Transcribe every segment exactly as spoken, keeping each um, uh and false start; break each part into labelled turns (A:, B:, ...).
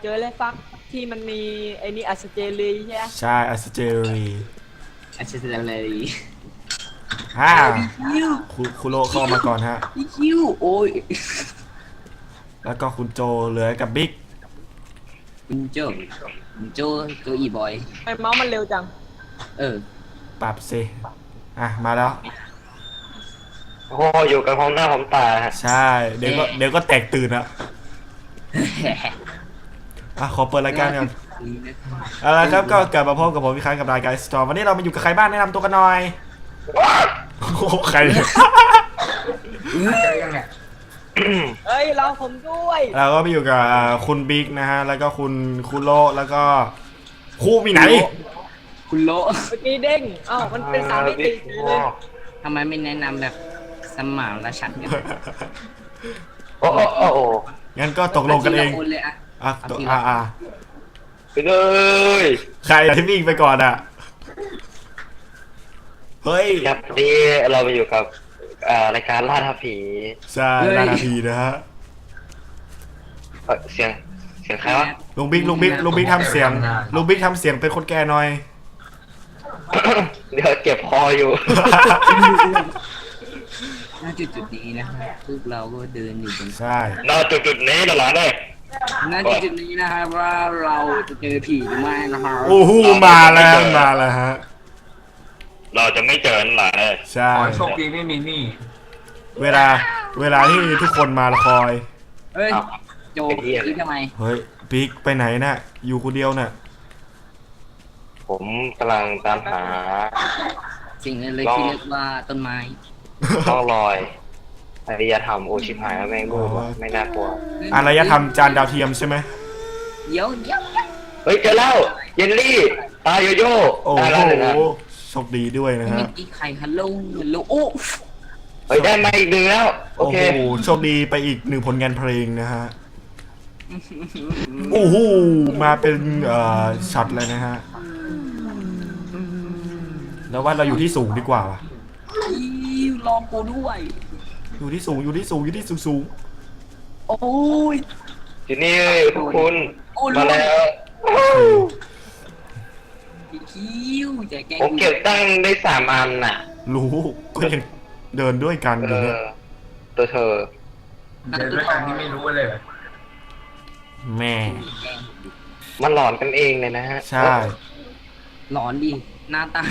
A: อเลยฟักที่มันมีไอ้นี่อัสเจรีใช่ไหม
B: ใช่อัสเจรี
C: อาชีพอะไร
B: ฮ่า
C: คิว
B: คุคุโรเข้ามาก่อนฮะ
C: พี่คิวโอ้ย
B: แล้วก็คุณโจเหลือกับบิ๊ก
C: คุณโจคุณโจโจอีบอย
A: ทำไมเมาส์มันเร็วจัง
C: เออ
B: ปรับสิอ่ะมาแล้ว
D: โอ้โหอยู่กันพร้อมหน้าพร้อมตาฮะ
B: ใช่เดี๋ยวก็เดี๋ยวก็แตกตื่นอะอ่ะขอเปิดรายการก่อนเอาละครับก็กลับมาพบกับผมอีกครั้งกับรายการสตอร์วันนี้เรามาอยู่กับใครบ้างแนะนำตัวกันหน่อยโอ้โหใครเนี่ย
A: เฮ้ยเราผมด้วย
B: เราก็ไปอยู่กับคุณบิ๊กนะฮะแล้วก็คุณคุโรแล้วก็คู่มีไหน
C: คุณโล
A: เมื่อกี้เด้งอ้าวมันเป็นสามมิติเลย
C: ทำไมไม่แนะนำแบบสมานละฉันกัน
D: โอ้โอ้โอ้โอ้
B: งั้นก็ตกลงกันเอง
C: าทีละคนเลยอะ
B: อ่ะตกอ่ะอ่ะ
D: ไปเลย
B: ใครที่วิ่งไปก่อนอ่ะเฮ้ย
D: ครับนี่เรามาอยู่กับอ่ารายการล่าท้าผี
B: ใช่นานาทีนะฮะ
D: เอ่อเสียงเสียงใครวะ
B: ลุงบิ๊กลุงบิ๊กลุงบิ๊กทำเสียงลุงบิ๊กทำเสียงเป็นคนแก่หน่อย
D: เดี๋ยวเก็บคออยู่
C: ณจุดจุดๆนี้นะครับพวกเราก็เดินอยู่บน
B: ใช่
D: นอกจุดจุดๆนี้หลานเลย
C: ณจุดจุดๆนี้นะครับว่าเราจะเจอผีหรือไม่นะครับ
B: โอ้โหมาแล้วมาแล้วฮะ
D: เราจะไม่เจอหลานเลย
B: ใช่
E: ขอโชคดีไม่มีหนี้
B: เวลาเวลาที่ทุกคนมาละคอย
C: เฮ้ยโจคือทำไม
B: เฮ้ยบิ๊กไปไหนน่ะอยู่คนเดียวน่ะ
D: ผมกำลังตามหา
C: สิ่งนั้นเลยที่เรียกว่าต้นไม้
D: ร่องรอยอารยธรรมโอชิบหายแล้วแม่งดูว่ะไม่น่ากลัว
B: อารยธรรมจานดาวเทียมใช่ไหม
C: เดี๋ยวเดี๋ยวเดี๋ยว
D: เฮ้ยเจอแล้วเยนลี่ตาโยโย่
B: โอ้
D: ได้แล้วเลยนะ
B: โหโชคดีด้วยนะ
C: เมื่
B: ฮะ
C: อกี้ใครฮัลโหลฮัลโหลโอ้
D: เฮ้ยได้มาอีกหนึ่งแล้วโอ
B: โอ้
D: เค
B: โหโชคดีไปอีกหนึ่งผลงานเพลงนะฮะโอ้โหมาเป็นเอ่อช็อตเลยนะฮะแล้วว่าเราอยู่ที่สูงดีกว่าว่ะ
C: คิวลองกูด้วย
B: อยู่ที่สูงอยู่ที่สูงอยู่ที่สูงสูง
C: โอ้ย
D: ทีนี้พวกคุณ
C: โอ้ย
D: มาแล้ว
B: โอเค
C: พี่คิวจะแกล้ง
D: ผมเก็บตั้งได้สามอันน่ะ
B: รู้ก็ยังเดินด้วยกันอ
D: เอยู่
B: เนี่ย
D: อตัวเธอ
E: เดินด้วยกันที่ไม่รู้เลยเหรอ
B: แม่
D: มันหลอนกันเองเลยนะฮะ
B: ใช่
C: หลอนดิหน้าตา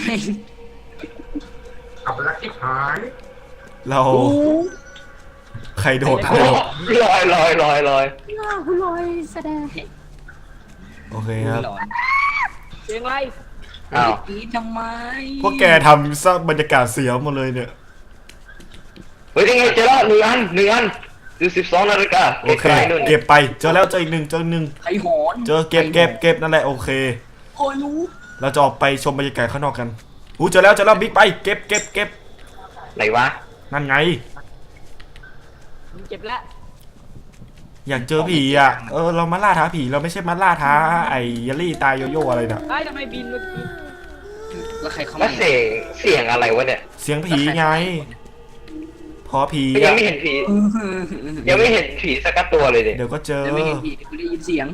E: ขับรักที่หาย
B: เรา
C: โอ้
B: ใครโดด
D: โอ้ลอยลอยลอยลอย
C: หน้าคุณลอยแสดง
B: โอเคครับ
C: หลอน
A: เสียงอะไร
D: อ้าว
C: พี่ทำไม
B: พวกแกทำซะบรรยากาศเสียหมดเลยเนี่ย
D: เฮ้ยยังไงเจอแล้วหนึ่งอันหนึ่งอันดูสิบสองนาฬิกา
B: โอเค
D: ไกลๆนู่น
B: เก็บไปเจอแล้วเจออีกหนึ่งเจออีกหนึ่ง
C: ใครหอน
B: เจอเก็บเก็บเก็บนั่นแหละโอเค
C: โอ้ยรู้
B: เราจะออกไปชมบรรยากาศข้างนอกกันอู้เจอแล้วเจอแล้วบิ๊กไปเก็บเก็บเก็บ
D: ไหนวะ
B: นั่นไง
A: ผมเก็บแล้ว
B: อยากเจอผีอ่ะเออเรามาล่าท้าผีเราไม่ใช่มาล่าท้าไอ้ยลลี่ตายโยโย่อะไรน่ะ
A: ไอ้ยทำไมบินเมื่อกี้
C: แล้วใครเข้า
D: แล้
C: มาว
D: เสียงเสียงอะไรวะเนี่ย
B: เสียงผีไงพอผี
D: ยัง
B: อะ
D: ไม่เห็นผียังไม่เห็นผีสักตัวเลยเด็
B: เดี๋ยวก็เจอ
C: จะไม่เห็นผีกูได้ยินเสียง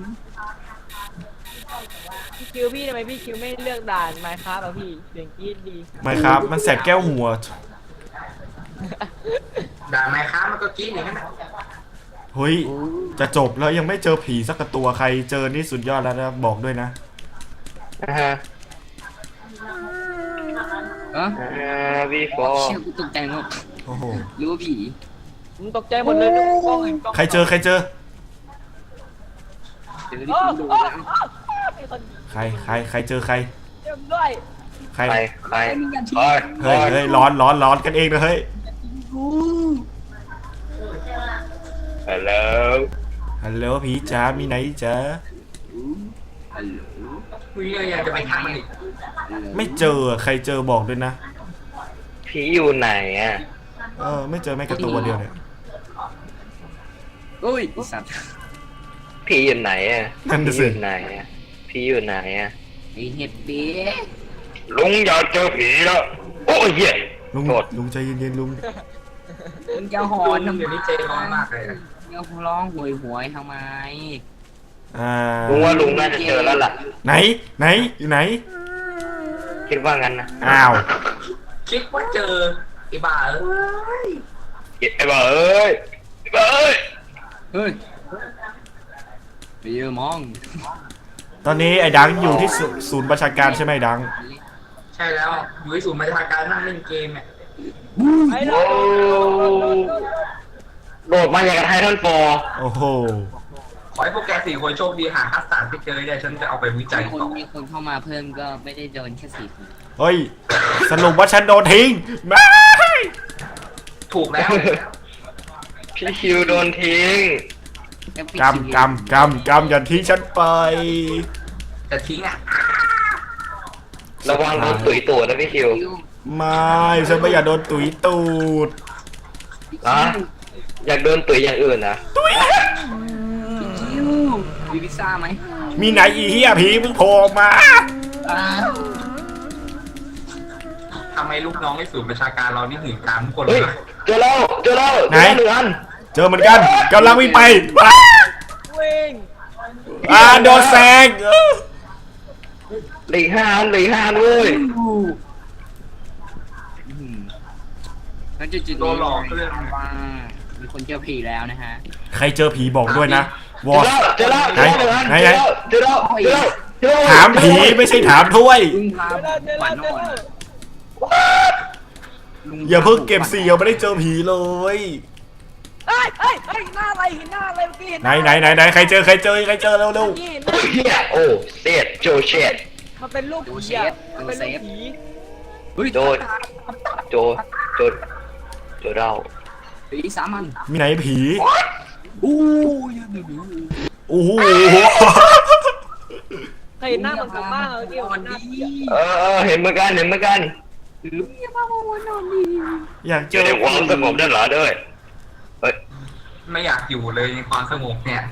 A: พี่คิวพี่ทำไมพี่คิวไม่เลือกด่านไมค์ครับอ่ะพี่เสียงกรี๊ดดี
B: ไม่ครับมันแสบแก้วหัว
E: ด่าไม้ค้ามันก็กินอย่างนั้นน่ะ
B: เฮ้ยจะจบแล้วยังไม่เจอผีสักตัวใครเจอนี่สุดยอดแล้วนะบอกด้วยนะ
D: นะฮะ
C: เออ
D: อ่าวีโฟ
C: เชี่ยกูตกใจหมด
B: โอ้โห
C: หรือว่าผี
A: ผมตกใจหมดเลยดูกล้องเห็นกล้อง
B: ใครเจอใครเจอ
C: เจอที่
A: โอ้
C: คุณดู
A: โอ้
C: นะ
A: โอ้มีคน
B: ใครใครใครเจอใคร
A: เต็มด้วย
B: ใคร
D: ใครใคร
C: ไม่มียันที
D: โอ้ย
B: เฮ้ยเฮ้ยร้อนร้อนร้อนกันเองนะเฮ้ย
C: กู
D: ฮัลโหล
B: ฮัลโหลผีจ๋ามีไหนจ๋า
C: ฮัลโหล
E: คุยยังจะไปทำมันอีก
B: ไม่เจอใครเจอบอกด้วยนะ
D: ผีอยู่ไหนอ่ะ
B: เออไม่เจอแม่กระตัวเดียวเนี่ย
C: โอ้ยสัตว์
D: ผีอยู่ไหนอ่ะ
B: นั่น
D: ผี
B: น่ะ
D: อ
B: สิ
D: ยู่ไหนอ่ะผีอยู่ไหนอ่ะ
C: ไอเห็ดเบ๊ะ
D: ลุงอยากเจอผีแล้วโอ้ยเหี้ย
B: ลุง
D: โทษ
B: ลุงใจเย็นๆลุง
C: มึงจะหอ
E: คุ
C: น
E: ณ
C: ทำไม
E: เดี๋ยวนี้ใจร้อนมากเลยนะ
C: มึงจะร้องหวยหวยทำไม
B: อ่า
D: ลุงว่าลุงน่าจะเจอแล้วล่ะ
B: ไหนไหนอยู่ไหน
D: คิดว่างั้นนะ
B: อ้าว
E: คิดว่าเจอไอ้บ้าเอ้ย
D: ไอ้บ้าเอ้ยไอ้บ้าเอ้ย
C: เฮ้ยไปเยอะมอง
B: ตอนนี้ไอ้ดังอยู่ที่ศูศูนย์ประชาการใช่ไหมดัง
E: ใช่แล้วอยู่ที่ศูนย์ราชการนั่งเล่นเกมเนี่ย
A: ไอ้
D: โอ้ โดดมาอย่างกับไททันฟอร์
B: โอ้โห
E: ขอให้พวกแกสี่คนโชคดีหาคัสตาร์ดไปเจอเนี่ยฉันจะเอาไปวิจัย
C: มีคน
E: ต่อ
C: มีคนเข้ามาเพิ่มก็ไม่ได้โดนแค่สี่คน
B: เฮ้ยสรุปว่าฉันโดนทิ้งไม่
E: ถูกแล้ว
D: พี่คิวโดนทิ้ง
C: แล้วพี่
B: กำกำกำกำอย่าทิ้งฉันไป
E: จะทิ้งอ่ะ
D: ระวังโดนตุ๋ยตูดนะพี่คิว
C: คิว
B: ไม่ฉันไม่อยากโดนตุ๋ยตูด
D: อ่ะอยากโดนตุ๋ยอย่างอื่นนะ
C: คิวมีพิซซ่าไหม
B: มีไหนอีเหี้ยผีมึงโผล่ออกมา
C: อ่า
E: ทำไมลูกน้องในศูนย์ประชาการเรานี่หื่นกามทุกคนเล
D: เฮ้ย
E: ย
D: เจอแล้วเจอแล้วเจอแล้วหนึ่งอัน
B: เจอเหมือนกันกำลังวิ่งไปว้า
A: วิ่ง
B: อ่าโดนแซงเออ
D: เหลืออกห้าอันเหลืออกห้าอันเว้ย
C: แล้วจุดจุด
E: โดนหลอกเรื่อง
C: ว่ามีคนเจอผีแล้วนะฮะ
B: ใครเจอผีบอกด้วยนะวอ
D: เจอแล้วเจอแล้วเจอแล้วหนึ่งอัน
B: ไหนไหน
D: เจอแล้วเจอแล้วเจอแล้ว
B: ถามผีไม่ใช่ถามถ้วย
C: ลุงพา
A: เจอแล้วเจอ
C: ฝั
A: แล้
C: น
A: วเจ
C: อ่
A: อ
C: อน
A: แล้ว
C: ลุง
B: อย่าเพิ่งเก็บเสียวไม่ได้เจอผีเลย
A: เฮ้ยเฮ้ยเฮ้ยหน้าอะไรเห็นหน้าอะไรเมื่อกี้เห็น
B: ไหนไหนไหนไหนใครเจอใครเจอใครเจอเร็วเร็ว
A: เมื่อกี้เห็นห
D: โอ้
A: น้าย
D: เฮียโอ้เสียดโจเชด
A: มันเป็นรูปผีอะมันเป็นรูปผี
C: เฮ้ย
D: โดนโจโจโจเดา
C: ผีสามัญ
B: มีไหนผี
C: อู้ยดูดู
B: โอ้โห
A: เคยเห็นหน้ามันกลับบ้านเมื่อกี้
C: วั
A: มัน นหน้า
C: ดี
A: ผีอะ
D: เออเออเห็นเหมือนกันเห็นเหมือนกัน
C: ลุงอย่ามาวันนอนดี
B: อยากเจ
D: เจอ
B: อ
D: ในความสงบด้านหลังด้วยเฮ้ย
E: ไม่อยากอยู่เลยในความสงบเนี่ย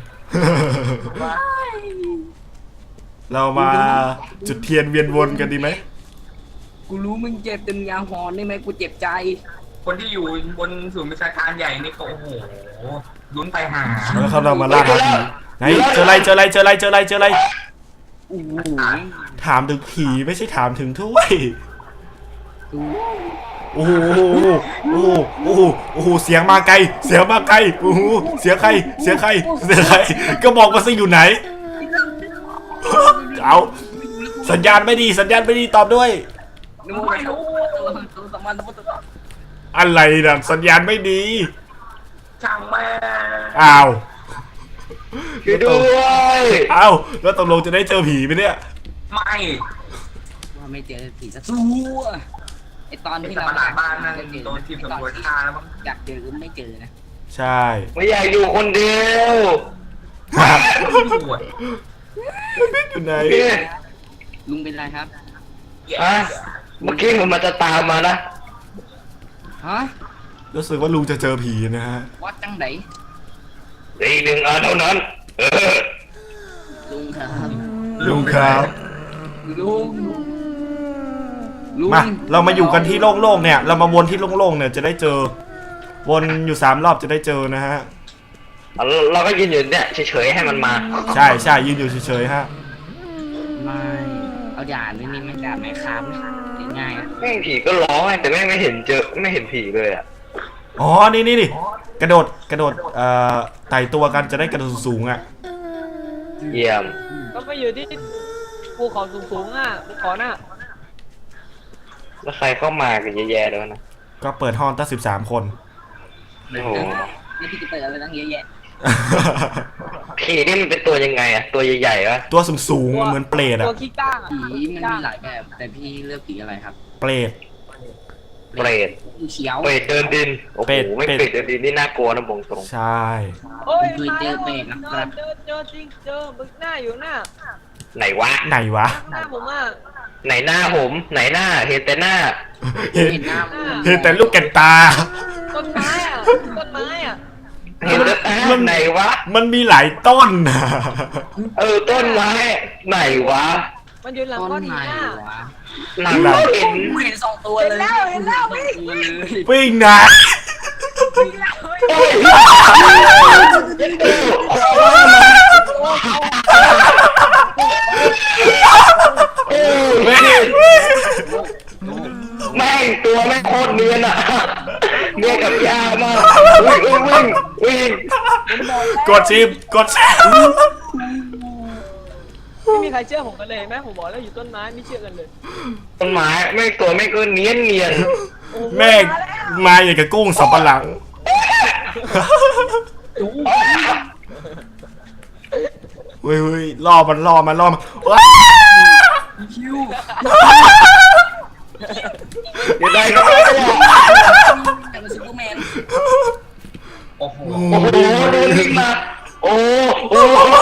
B: เรามาจุดเทียนเวียนวนกันดีไหม
C: กูรู้มึงเจ็บเต็มยาหอนได้ไหมกูเจ็บใจ
E: คนที่อยู่บนศูนย์ประชาการใหญ่นี่ก็โอ้โหลุ้นไปหา
B: แล้วเขาเรามาล่าหาผีไหนเจออะไรเจออะไรเจออะไรเจออะไรเจออะไร
C: อู้หู
B: ถามถึงผีไม่ใช่ถามถึงถ้วย
C: ดู
B: โอ้โหโอ้โหโอ้โหโอ้โหเสียงมาไกลเสียงมาไกลโอ้โหเสียงใครเสียงใครเสียงใครก็บอกมาสิอยู่ไหนเอาสัญญาณไม่ดีสัญญาณไม่ดีตอบด้วย
C: ดูไม่รู้ตัวตัวสมันตัวตัว
B: อะไรนะสัญญาณไม่ดี
E: ช่างแม่
B: อ้าว
D: ช่วยด้วย
B: อ้าวแล้วตกลงจะได้เจอผีไหมเนี่ย
E: ไม่
C: ว่าไม่เจอผีสักตัวไอตอน
E: ไอ้
C: ที่
E: สัต
C: เรา
E: ว์ประหลาดบ้านนั่นโดนทีมตำรวจฆ่าแล้วมั้ง
C: อยากเจอก็ไม่เจอนะ
B: ใช่
D: ไม่อยากอยู่คนเดียว
E: ปวด
B: อยู่ไหน
D: พี่
C: ลุงเป็นไรครับ
D: ฮะเมื่อกี้มันมาจะตามมานะ
C: ฮะ
B: รู้สึกว่าลุงจะเจอผีนะฮะ
C: วัดจังไหน
D: อีกหนึ่งอันเท่านั้น เออ
C: ลุงครับ
B: ลุงครับ
C: ลุงลุง
B: มาเรามาอยู่กันที่โล่งๆเนี่ย เรามาวนที่โล่งๆเนี่ยจะได้เจอ วนอยู่สามรอบจะได้เจอนะฮะ
D: เราก็ยืนอยู่เนี่ยเฉยๆให้มันมา
B: ใช่ใช่ยืนอยู่เฉยๆฮะ
C: ไม่เอาด่านนี่นี่ไม่ด่านไหมครับง่ายๆนะ
D: แม่งผีก็ร้องไงแต่แม่งไม่เห็นเจอไม่เห็นผีเลยอ่ะ
B: อ๋อ นี่นี่นี่กระโดด กระโดด เอ่อ ไต่ตัวกันจะได้กระโดดสูงๆอ่ะ
D: เยี่ยม
A: ก็ไปอยู่ที่ภูเขาสูงๆอ่ะภูเขาน่ะ
D: แล้วใครเข้ามากันเยอะแยะแล้วนะ
B: ก็เปิดห้องตั้งสิบสามคน
D: โอ้โห
C: นี่พี่จะเปิดอะไรตั้งเยอะแยะ
D: ผีนี่มันเป็นตัวยังไงอะตัวใหญ่ๆวะ
B: ตัวสูงๆเหมือนเปรตอ่ะ
A: ตัวขี้ก้างอ่ะ
C: ผีมันมีหลายแบบ แต่พี่เลือกผีอะไรครับ
B: เปรต
D: เปรต
C: ผีเขียว
D: เปรตเดินดินโอ้โห
B: เปรต
D: ไม่
B: เปรต
D: เปรตเดินดินนี่น่ากลัวนะบงตรง
B: ใช่
A: โอ้ย
C: เคย
A: มา
C: เจ
A: แล้
C: อ
A: ว
C: เปรตนะครับ
A: เจอเจอจริงเจอบึกหน้าอยู่หน้า
D: ไหนวะ
B: ไหนวะ
A: ข้างหน้าผมอ่ะ
D: ไหนหน้าผมไหนหน้าเห็นแต่หน้า
B: เห็น
C: เห็นหน้า
B: เห็นแต่ลูกแกนตา
A: ต้นไม้อ่ะต้นไม้อ่ะ
D: เห็นแต่อ้า
B: มั
D: วน ไหนวะ
B: มันมีหลายต้นนะ
D: เออต้นไม้ไหนวะ
A: มันอยู่หลัง
C: ต้
A: ก้อน น
C: ไหน
A: หินอ่ะ
C: วะ
D: หลังเราเห็น
C: กูเห็นสองตัวเลย
A: เห็นแล้วเห็นแล้วพี่
C: ตัวเลย
B: วิ่งนะ
D: โอ้ย
A: โอ้โห
D: โอ้ยแม่งตัวแม่งโคตรเนียนอ่ะเนียนกับยามากวิ่งวิ่งวิ่ง
B: กดชิปกดชิป
A: ไม่มีใครเชื่อผมกันเลยแม่ผมบอกแล้วอยู่ต้นไม้ไม่เชื่อกันเลย
D: ต้นไม้แม่งตัวแม่งก็เนียนเนียน
A: โอ้โห
B: แม่งมาอย่างกับกุ้งสับปะหลังเฮ้ยเฮ้ยล่อมันล่อมันล่อมันว้า
C: คิว
D: เดี๋ยวได้ก็ได้
C: แต่เป็นซูเปอร์แมน
E: โอ้โห
D: โอ้โหโดนลิงมาโอ้โห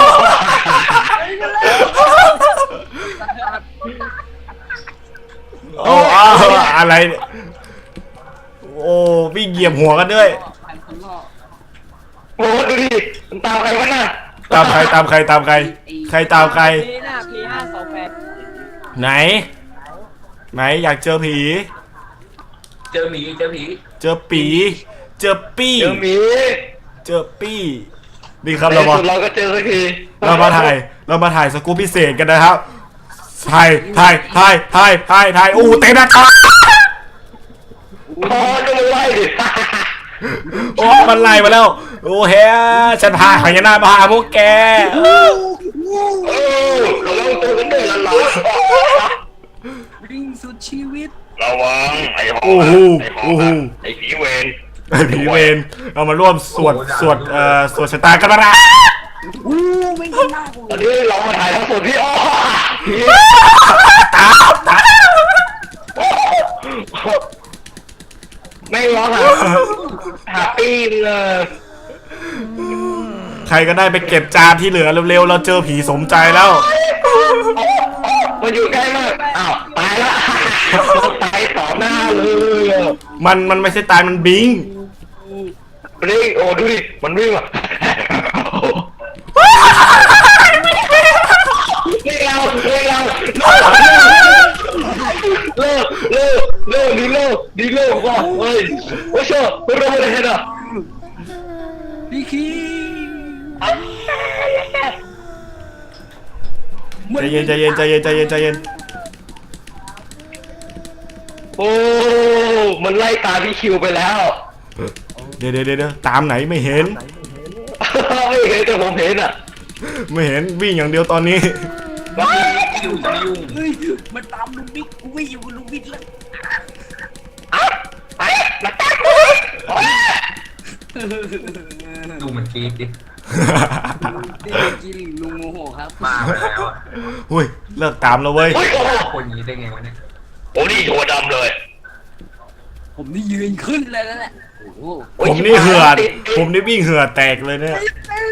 B: โอ้อ้าวอะไรเนี่ยโอ้วิ่งเหยียบหัวกันด้วย
C: พันคนล่อ
D: โอ้ดูดิมันตามใครวะน่ะ
B: ตามใครตามใครตามใคร ใครตามใคร
A: พีหน้าพีห้าสองแปด
B: ไหน ไหนอยากเจอผี
E: เจอหมีเจอผี
B: เจอปี เจอปี้
D: เจอหมี
B: เจอปี้นี่ครับ
D: ใน
B: เรามา
D: สุดเราก็เจอสักที
B: เรามาถ่ายเรามาถ่ายสกู๊ปพิเศษกันนะครับถ่ายถ่ายถ่ายถ่ายถ่ายถ่ายอู้เต็มหน้าตา
D: โอ้ก็ไม่ไหวดิ
B: โอ้มันไล่มาแล้วโอ้เฮ้ยฉันพาหายนามาหาพวกแก
D: โอ้ระวังตัวกันด้วยล่ะล่ะ
C: วิ่งสุดชีวิต
D: ระวังไอ้หอ
B: โอ้โห
D: ไอ้หอ
B: โอ้โห
D: ไอ้ผีเวร
B: ไอ้ผีเวรเรามาร่วมสวดสวดเอ่อสวดชะตากันมาละ
C: อู้วิ่งข้างหน้ากู
D: ตอนนี้เรามาถ่ายทั้งสดพี่อ้อ
B: ตามตาม
D: ไม่ร้องหาหาปีนเลย
B: ใครก็ได้ไปเก็บจานที่เหลือเร็วๆเราเจอผีสมใจแล้ว
D: มันอยู่ใกล้มากอ้าวตายละตายต่อหน้าเลย
B: มันมันไม่ใช่ตายมันบิง
D: นี่โอ้ดูดิมันวิ่งอ่ะเลิกเราเลิกเราเลิกเลิกเลิกดีเลิกดีเลิกว่ะเฮ้ยโอ้เชื่อไม่รู้อะไรเหรอ
C: พี่คี
B: ใจเย็นใจเย็นใจเย็นใจเย็นใจเย็น
D: โอ้มันไล่ตามพี่คิวไปแล้ว
B: เดี๋ยวเดี๋ยวเดี๋ยวตามไหนไม่เห็น
D: ไม่เห็นแต่ผมเห็นอ่ะ
B: ไม่เห็นวิ่งอย่างเดียวตอนนี้
E: ไม่ยุ่งจะไม่ยุ่ง
C: เฮ้ยมันตามลุงบิ๊กกูวิ่งอยู่กับลุงบิ๊กแล้ว
D: ไอ้มาตา
E: ดูมันกรีดดิ
C: ที่กินลุงโมโหครับ
E: มาไปแล้วอะ
B: หุ้ยเลิกตามแล้วเว้ย
D: โอ้ยโอ้
E: คนอย่างนี้ได้ไงวะเนี่ย
D: โอ้นี่ตัวดำเลย
C: ผมนี่ยืนขึ้นเลยแล้วแหละโอ้โห
B: ผมนี่เหือดผมนี่วิ่งเหือดแตกเลยเนี่ย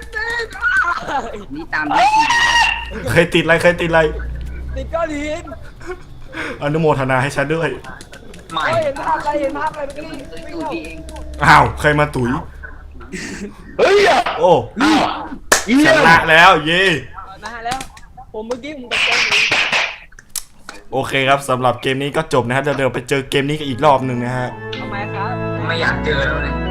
C: นี่ตามพี่คี
B: เคยติดอะไรเคยติดอะไร
A: ติดก้อนหิน
B: อนุโมทนาให้ฉันด้วย
E: ไม่
A: เฮ้ยเห็นภาพอะไรเห็นภาพอะไรเมื่อกี้
C: ตัว
A: ไม่
C: ตัว
A: เข้า
C: พี่เอง
B: อ้าวใครมาตุ๋ย
D: เฮ้ยอ่ะ
B: โอ้
D: อ้าวเยี่
B: ช
D: ยม
B: นะแล้วเย่
A: นะฮะแล้ว ผมเมื่อกี้ผมตะโกนอยู่
B: โอเคครับสำหรับเกมนี้ก็จบนะฮะเดี๋ยวเดี๋ยวไปเจอเกมนี้กันอีกรอบหนึ่งนะฮะ
A: ทำไมครับ
E: ไม่อยากเจอแล้วเนี่ย